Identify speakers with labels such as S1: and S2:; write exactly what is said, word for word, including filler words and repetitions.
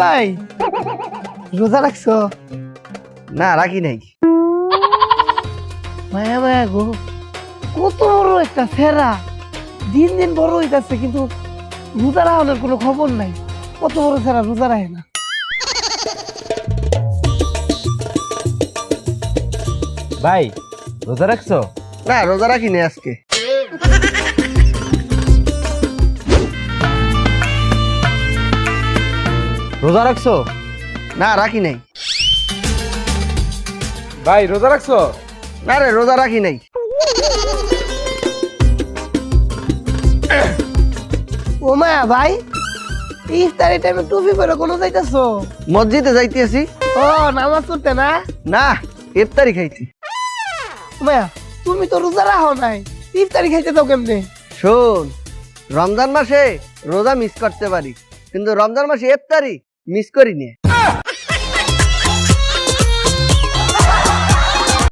S1: ভাই রোজা রাখছো?
S2: না রাখি নাই।
S1: মায়া মায়া গো, কত বড় একটা ফেরা, দিন দিন বড় হইতাছে কিন্তু রোজা রাখানোর কোনো খবর নাই। কত বড় ফেরা রোজা রাখে না।
S3: ভাই রোজা রাখছো?
S2: না রোজা রাখি নাই আজকে।
S3: রোজা রাখছো?
S2: না রাখি নাই।
S3: ভাই রোজা রাখছো?
S2: না রে রোজা রাখি নাই।
S1: ও মায়া ভাই, ইফতারি টাইমে টুপি পরে কোনো যাইতাছো?
S2: মসজিদে যাইতেছি।
S1: ও নামাজ পড়তে না?
S2: না ইফতারি খাইছি।
S1: ও মায়া, তুমি তো রোজা রাখো নাই, ইফতারি খাইতে দাও কেমনে?
S2: শোন, রমজান মাসে রোজা মিস করতে পারি কিন্তু রমজান মাসে ইফতারি মিস করি না।